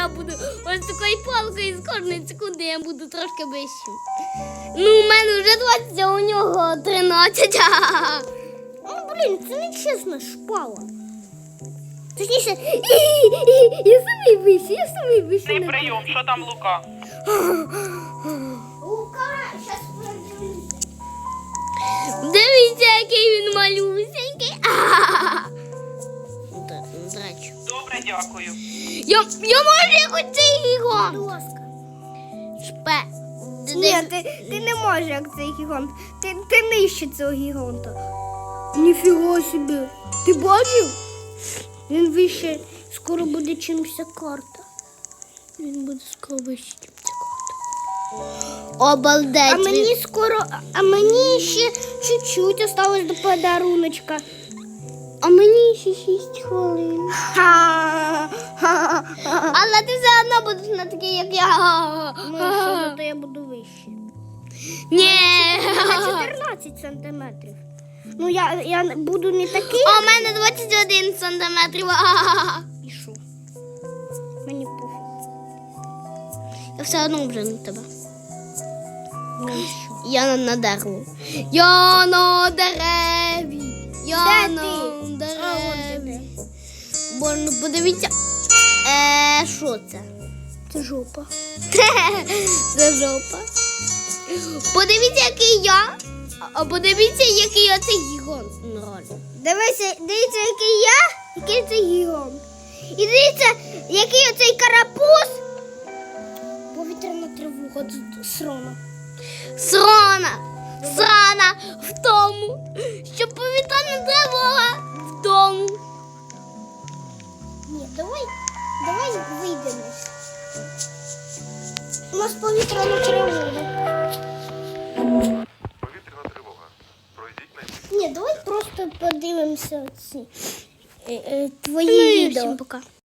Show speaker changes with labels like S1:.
S1: я буду ось такою палкою з кожної секунди я буду трошки вищим. Ну, у мене вже 20, а у нього 13.
S2: Ну, блін, це не чесна шпала. Точніше,
S1: Я самий вищий.
S3: Цей прийом, що там Лука?
S2: Лука, зараз подивимося.
S1: Дивіться, який він малюсенький. Драчу.
S3: Добре, дякую.
S1: Я можу якось цей
S2: Будь
S1: гігант.
S2: ласка.
S1: Шпе.
S2: Ні, ти не можеш, як цей гігант. Ти нижче цього гіганта. Ніфіга собі. Ти бачив? Він вище, скоро буде чимся карта.
S1: Він буде скоро вищий, ніж ця карта. Обалдеть.
S2: А мені ще чуть-чуть осталось до подаруночка.
S1: А мені ще 6 хвилин. Але ти все одно будеш не такий, як я.
S2: Ну, що зато я буду вище.
S1: Ні.
S2: На 14 сантиметрів. Ну, я буду не такий.
S1: А у мене 21 сантиметрів.
S2: І що? Мені пофіг.
S1: Я все одно вже на тебе.
S2: Ну, і що?
S1: Я на дереві. Я на дереві. Я
S2: Де
S1: на
S2: ти? А, от
S1: дереві.
S2: де.
S1: Бо ну подивіться. Що це?
S2: Це жопа.
S1: Це жопа. Подивіться, який я. А подивіться, який оцей гігант. Ну, реально.
S2: Дивіться, який я, який це гігант. І дивіться, який оцей карапуз. Повітряна тривога срона.
S1: Срана в тому, що повітряна тривога в тому.
S2: Ні, давай вийдемо. У нас повітряна тривога.
S4: Повітряна тривога. Пройдіть на місце.
S2: Ні, давай просто подивимося ці твої відео.
S1: Всім пока.